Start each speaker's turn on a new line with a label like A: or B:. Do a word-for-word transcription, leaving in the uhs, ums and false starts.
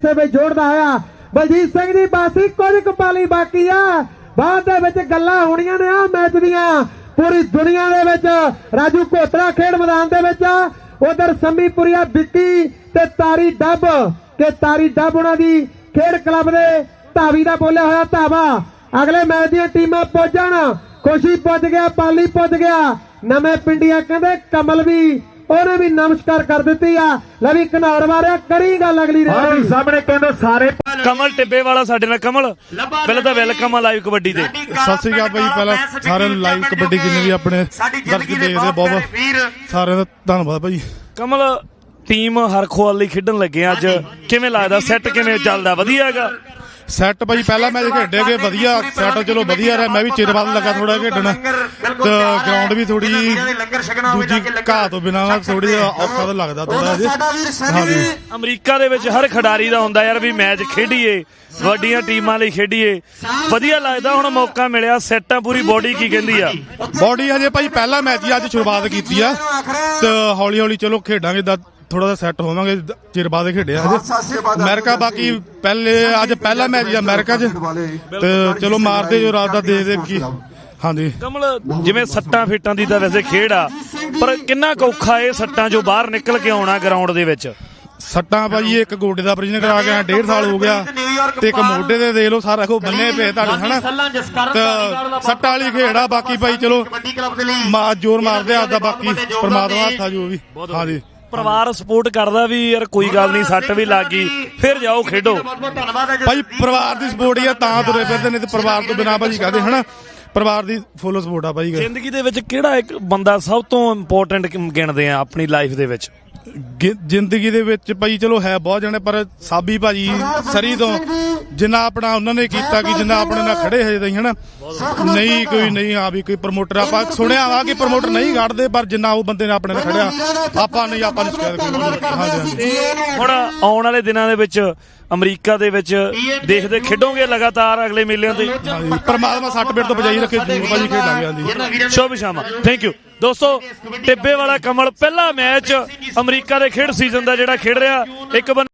A: ਪਾਸੇ ਵਿੱਚ ਜੋੜਦਾ ਹੋਇਆ ਬਲਜੀਤ ਸਿੰਘ ਦੀ ਬਾਸੀ ਕੁਝ ਕਪਾਲੀ ਬਾਕੀ ਆ ਬਾਅਦ ਦੇ ਵਿੱਚ ਗੱਲਾਂ ਹੋਣੀਆਂ ਨੇ ਆ ਮੈਚ ਦੀਆਂ पूरी दुनिया दे विच राजू कोतरा खेड मैदान दे विच उधर संमीपुरिया बिक्की ते तारी डब के तारी डब उन्हां दी खेड क्लब दे धावी दा बोलिया होया धावा अगले मैच दी टीमां पहुंचण खुशी पुज गया पाली पुज गया नवे पिंडिया कहंदे कमल भी ਉਹਨੇ ਵੀ ਨਮਸਕਾਰ ਕਰ ਦਿੱਤੀ ਆ ਲੈ ਵੀ ਘਨੌਰ ਮਾਰਿਆ ਕਰੀ ਗੱਲ ਅਗਲੀ ਦੇ ਸਾਹਮਣੇ ਕਹਿੰਦੇ ਸਾਰੇ
B: ਕਮਲ ਟਿੱਬੇ ਵਾਲਾ ਸਾਡੇ ਨਾਲ ਕਮਲ ਪਹਿਲਾਂ ਤਾਂ ਵੈਲਕਮ ਆ ਲਾਈਵ ਕਬੱਡੀ ਦੇ
C: ਸਤਿ ਸ੍ਰੀ ਅਕਾਲ ਭਾਈ ਪਹਿਲਾਂ ਸਾਰਿਆਂ ਨੂੰ ਲਾਈਵ ਕਬੱਡੀ ਜਿੰਨੇ ਵੀ ਆਪਣੇ ਦਰਸ਼ਕ ਦੇਖਦੇ ਬਹੁਤ ਸਾਰਿਆਂ ਦਾ ਧੰਨਵਾਦ ਭਾਈ
B: ਕਮਲ ਟੀਮ ਹਰਖੋਵਾਲ ਲਈ ਖੇਡਣ ਲੱਗੇ ਅੱਜ ਕਿਵੇਂ ਲੱਗਦਾ ਸੈੱਟ ਕਿਵੇਂ ਚੱਲਦਾ ਵਧੀਆ ਹੈਗਾ
C: ਸੈੱਟ ਭਾਈ ਪਹਿਲਾਂ ਮੈਚ ਖੇਡੇ ਗਏ ਵਧੀਆ ਸੈੱਟ ਚਲੋ ਵਧੀਆ ਰਿਹਾ ਮੈਂ ਵੀ ਚਿਰ ਬਾਅਦ ਲੱਗਾ ਥੋੜਾ ਖੇਡਣ ਤੇ ਗਰਾਊਂਡ ਵੀ ਥੋੜੀ ਦੂਜੀ ਘਾਹ ਤੋਂ ਬਿਨਾਂ ਥੋੜੀ ਔਖਾ ਤਾਂ ਲੱਗਦਾ ਥੋੜਾ ਜਿਹਾ
B: ਅਮਰੀਕਾ ਦੇ ਵਿੱਚ ਹਰ ਖਿਡਾਰੀ ਦਾ ਹੁੰਦਾ ਯਾਰ ਵੀ ਮੈਚ ਖੇਡੀਏ ਵੱਡੀਆਂ ਟੀਮਾਂ ਲਈ ਖੇਡੀਏ ਵਧੀਆ ਲੱਗਦਾ ਹੁਣ ਮੌਕਾ ਮਿਲਿਆ ਸੈੱਟਾਂ ਪੂਰੀ ਬੋਡੀ ਕੀ ਕਹਿੰਦੀ ਆ
C: ਬੋਡੀ ਹਜੇ ਭਾਈ ਪਹਿਲਾ ਮੈਚ ਹੀ ਅੱਜ ਸ਼ੁਰੂਆਤ ਕੀਤੀ ਆ ਤੇ ਹੌਲੀ ਹੌਲੀ ਚਲੋ ਖੇਡਾਂਗੇ ਥੋੜਾ ਜਿਹਾ ਸੈੱਟ ਹੋਵਾਂਗੇ ਚਿਰ ਬਾਅਦ ਖੇਡਿਆ ਹਜੇ ਅਮਰੀਕਾ ਬਾਕੀ ਪਹਿਲੇ ਅੱਜ ਪਹਿਲਾ ਮੈਚ ਆ ਅਮਰੀਕਾ 'ਚ ਤੇ ਚਲੋ ਮਾਰਦੇ ਜੋ ਰਾਤ ਦਾ ਦੇ ਦੇ ਕੀ ਹਾਂਜੀ
B: ਕਮਲ ਜਿਵੇਂ ਸੱਟਾਂ ਫੀਟਾਂ ਦੀ ਤਾਂ ਵੈਸੇ ਖੇਡ ਆ ਪਰ ਕਿੰਨਾ ਕੁ ਔਖਾ ਇਹ ਸੱਟਾਂ ਚੋਂ ਬਾਹਰ ਨਿਕਲ ਕੇ ਆਉਣਾ ਗਰਾਊਂਡ ਦੇ ਵਿੱਚ
C: ਸੱਟਾਂ ਭਾਈ ਇੱਕ ਗੋਡੇ ਦਾ ਆਪਰੇਸ਼ਨ ਕਰਾ ਕੇ ਡੇਢ ਸਾਲ ਹੋ ਗਿਆ ਤੇ ਇੱਕ ਮੋਢੇ ਦੇ ਦੇਖ ਲਓ ਸਾਰਾ ਕੋ ਬੰਨੇ ਪਏ ਤੁਹਾਡੇ ਹਨਾ ਤੇ ਸੱਟਾਂ ਵਾਲੀ ਖੇਡ ਆ ਬਾਕੀ ਭਾਈ ਚਲੋ ਮਾ ਜ਼ੋਰ ਮਾਰਦੇ ਆਦਾ ਬਾਕੀ ਪਰਮਾਤਮਾ ਹੱਥਾਂ ਜੋ ਵੀ ਹਾਂਜੀ
B: ਪਰਿਵਾਰ ਸਪੋਰਟ ਕਰਦਾ ਵੀ ਯਾਰ ਕੋਈ ਗੱਲ ਨਹੀਂ ਸੱਟ ਵੀ ਲੱਗ ਗਈ ਫਿਰ ਜਾਓ ਖੇਡੋ
C: ਭਾਈ ਪਰਿਵਾਰ ਦੀ ਸਪੋਰਟ ਹੀ ਆ ਤਾਂ ਤੁਰੇ ਫਿਰਦੇ ਨੇ ਤੇ ਪਰਿਵਾਰ ਤੋਂ ਬਿਨਾਂ ਭਾਜੀ ਕਹਦੇ ਹਨਾ ਪਰਿਵਾਰ ਦੀ ਫੁੱਲ ਸਪੋਰਟ ਆ ਭਾਈ
B: ਜ਼ਿੰਦਗੀ ਦੇ ਵਿੱਚ ਕਿਹੜਾ ਇੱਕ ਬੰਦਾ ਸਭ ਤੋਂ ਇੰਪੋਰਟੈਂਟ ਗਿਣਦੇ ਆ ਆਪਣੀ ਲਾਈਫ ਦੇ ਵਿੱਚ
C: ਜ਼ਿੰਦਗੀ ਦੇ ਵਿੱਚ ਭਾਈ ਚਲੋ ਹੈ ਬਹੁਤ ਜਣੇ ਪਰ ਸਾਬੀ ਭਾਜੀ ਸਰੀ ਤੋਂ ਜਿੰਨਾ ਆਪਣਾ ਉਹਨਾਂ ਨੇ ਕੀਤਾ ਕਿ ਜਿੰਨਾ ਆਪਣੇ ਨਾਲ ਖੜੇ ਹਜੇ ਤਾਈਂ ਹਨਾ ਨਹੀਂ ਕੋਈ ਨਹੀਂ ਆ ਵੀ ਕੋਈ ਪ੍ਰਮੋਟਰ ਆਪਾਂ ਸੁਣਿਆ ਵਾ ਕਿ ਪ੍ਰਮੋਟਰ ਨਹੀਂ ਕੱਢਦੇ ਪਰ ਜਿੰਨਾ ਉਹ ਬੰਦੇ ਨੇ ਆਪਣੇ ਨਾਲ ਖੜਿਆ ਆਪਾਂ ਨਹੀਂ ਆਪਾਂ ਨੂੰ ਸ਼ਿਕਾਇਤ ਕੋਈ
B: ਹੁਣ ਆਉਣ ਵਾਲੇ ਦਿਨਾਂ ਦੇ ਵਿੱਚ ਅਮਰੀਕਾ ਦੇ ਵਿੱਚ ਦੇਖਦੇ ਖੇਡੋਗੇ ਲਗਾਤਾਰ ਅਗਲੇ ਮੇਲਿਆਂ ਤੇ
C: ਪਰਮਾਤਮਾ ਸੱਟ ਪੇਟ ਤੋਂ ਬਚਾਈ ਰੱਖੇ ਜਰੂਰ ਭਾਜੀ ਖੇਡਾਂਗੇ ਹਾਂਜੀ
B: ਸ਼ੁਭ ਸ਼ਾਮਾਂ ਥੈਂਕ ਯੂ ਦੋਸਤੋ ਟਿੱਬੇ ਵਾਲਾ ਕਮਲ ਪਹਿਲਾ ਮੈਚ ਅਮਰੀਕਾ ਦੇ ਖੇਡ ਸੀਜ਼ਨ ਦਾ ਜਿਹੜਾ ਖੇਡ ਰਿਹਾ ਇੱਕ